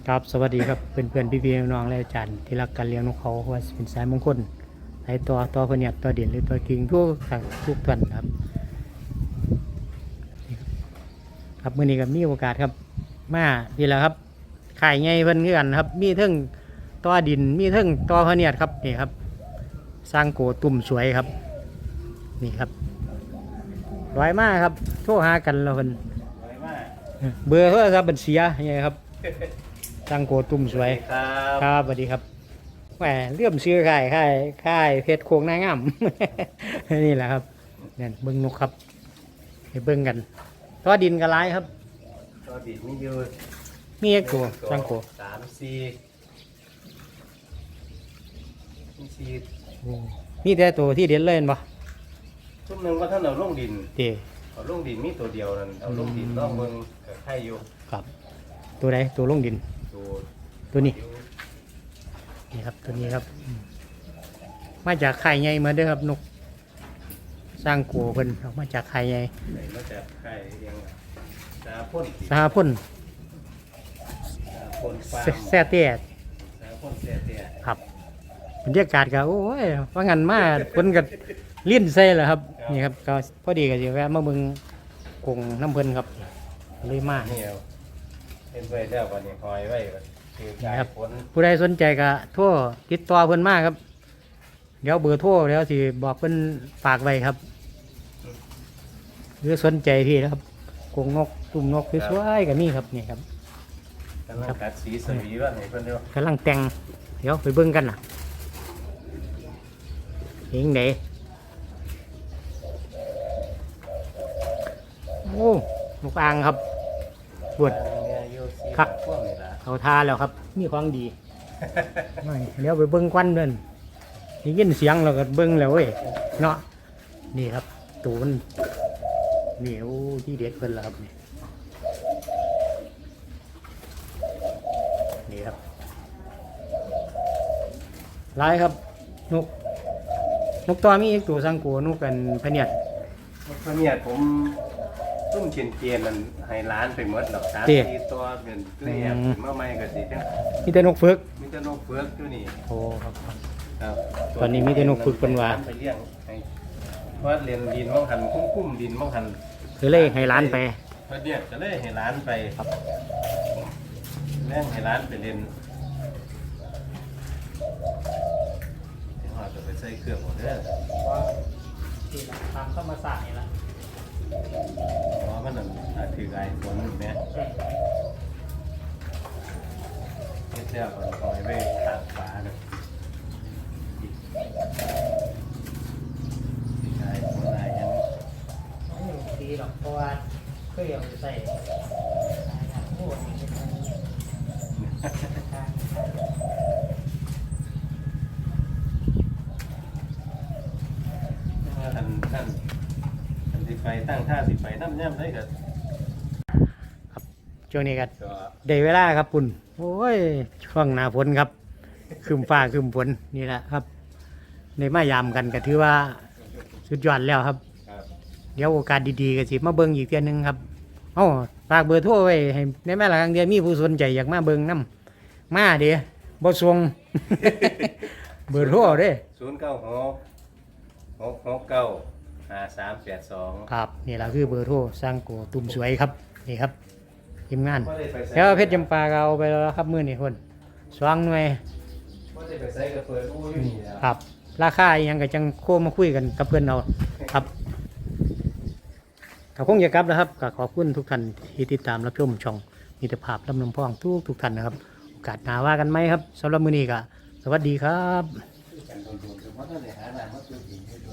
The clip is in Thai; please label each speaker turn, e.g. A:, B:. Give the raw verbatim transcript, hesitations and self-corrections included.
A: ครับสวัสดีครับเพื่อนเพื่อนพี่พี่น้องๆและอาจารย์ที่รักการเลี้ยงนกเขาว่าเป็นสายมงคลสายตัวตัวพเนียดตัวเด่นหรือตัวกิ่งทุกทุกท่านครับครับมื่อนี้ก็มีโอกาสครับมาพี่แล้วครับขายไงเพิ่นคือกันครับมีเทิงตัวดินมีเทิงตัวพเนียดครับนี่ครับสร้างโกตุ่มสวยครับนี่ครับร้อยมากครับโทรหากันเราเพิ่นเบอร์โทรศัพท์บัญชียังไงครับสร้างโกตุ่มสวย
B: ครับ
A: ครับสวัสดีครับแหมเลื่อมซื้อค่ายค่ายค่ายเพชรโคงนางงาม นี่แหละครับเนี่ยเบิ้งนกครับไปเบิ้งกันตัวดินกระไรครับ
B: ตัวดินมีอยู่
A: มีเอกตัวสร้างโก
B: สามสี่สี่
A: มีแต่ตัวที่เด่นเล่นปะ
B: ทุ่มหนึ่งว่าท่านเอาลงดิน
A: เตะ
B: เอาลงดินมีตัวเดียวนั่นเอาลงดินลองเมืองกับไข่อยู่
A: ครับตัวไหนตัวลงดิน
B: ตัว
A: ตัวนี้นี่ครับตัวนี้ครับมาจากไข่ใหญ่มาเด้อครับนกสร้างโกเพิ่นออกมาจากไข่ใหญ่
B: ไหนมาจากไข่ยังสาพ่น
A: สหพ่น
B: สาพ่นฟาร์ม
A: แซ่เตี้ย
B: สาพ่นเสียเตี้ย
A: ครับบรรยากาศก็โอ้ยว่างันมาคนก็ลิ้นใส่แหละครับนี่ครับก็พอดีก็จะแวะมาเบิ่งกงน้ำเพิ่นครับเลยมา
B: นี่เอาเป็นไว้แล้ววันนี้คอยไว้คือการผล
A: ผู้ใดสนใจก็โทรติดต่อเพิ่นมาครับเดี๋ยวเบอร์โทรเดี๋ยวสิบอกเพิ่นฝากไว้ครับหรือสนใจที่นะครับกงนกตุ่มนกสวยๆก็มีครับนี่ครับ
B: กำลังกัดสีสวีว่าไหนเพิ่นเดียว
A: กำลังแต่งเดี๋ยวไปเบิ่งกันนะเห็นไหนโอ้นกอ่างครับปวดครับเขาทาแล้วครับมีความดี เดี๋ยวไปเบิ้งควันเดินได้ยินเสียงเราก็เบิ้งแล้วเว้ยเนาะนี่ครับตูนนี่โอ้ที่เด็ดเพิ่นแล้วครับนี่นี่ครับลายครับนกนกตัวมีอีกตัวสังกัวนกกันพะเนียด
B: พะเนียดผมตุ้มเชียนเกียนมันให้ร้านไปหมดหรอกสามสี่ตัวเป็นตัวเนี่ยเมื่อไม่ก็สิจัง
A: มีแต่นกฝึก
B: มีแต่นกเฟือกตัวนี้
A: โอ้ครับ
B: ครับ
A: ตอนนี้มีแต่นกฝึกเป็นว่า
B: ไปเลี้ยงให้ว่าเรียนดินมั่งหันคุ้มคุ้มดินมั่งหัน
A: คือเลยให้ร้านไป
B: พะเนียดจะเลยให้ร้านไปครับแม่งให้ร้านไปเรียนเดี๋ยวเราจะไปใส่เครื่องหมดเด้อ
A: ที่ตามธรรมศาสตร์นี่ละ
B: เพราะมันนั่นถือไอ้ฝนอยู่เนี่ยไม่เชื่อคนคอยไปตากฟ้าเนี่ยถือไอ้ฝนไอ้ยัง
A: ไม่ดีหรอกเพราะว่าเคยเอาไปใส่โอ้ย
B: ท่านท่านท่านสิไปตั้งท่าสิไปน้ำย่ำได้กับ
A: ช่วงนี้ก็
B: ก็
A: ได้เวลาครับปุ่นโอ้ยช่วงหน้าฝนครับคืมฟ้าคืมฝนนี่แหละครับในมายามกันก็ถือว่าสุดยอดแล้วครับ
B: ครับ
A: เดี๋ยวโอกาสดีๆก็สิมาเบิ่งอีกเทื่อนึงครับเอ้าฝากเบอร์โทรไว้ให้ในแม่ละครั้งเดียวมีผู้สนใจอยากมาเบิ่งน้ำมาเดี๋ยวบ่ส่ง เบอร์โทรเด้
B: ศูนย์เก้าหกหกหกเก้าห้าสามแปดสอง
A: ครับนี่แหละคือเบอร์โทรสร้างโกตุ่มสวยครับนี่ครับทีมงานแล้วเพชรจำปาก็เอาไปแล้วครับมื้อนี้คนสว่างหน่วย
B: ก็ได้ไปใส่กระเปิดอู้อยู่นี่แล้ว
A: ครับราคาอิหยังก็จังโคมาคุยกันกับเพื่อนเราครับก็คงจะกลับแล้วครับก็ขอบคุณทุกท่านที่ติดตามรับชมช่องมิตรภาพลำนำพองทุกทุกท่านนะครับโอกาสหน้าว่ากันไหมครับสำหรับมื้อนี้ก็สวัสดีครับ
B: กันโดนๆคือว่าถ้าได้หาน้ำมาตื้อกินให้ดู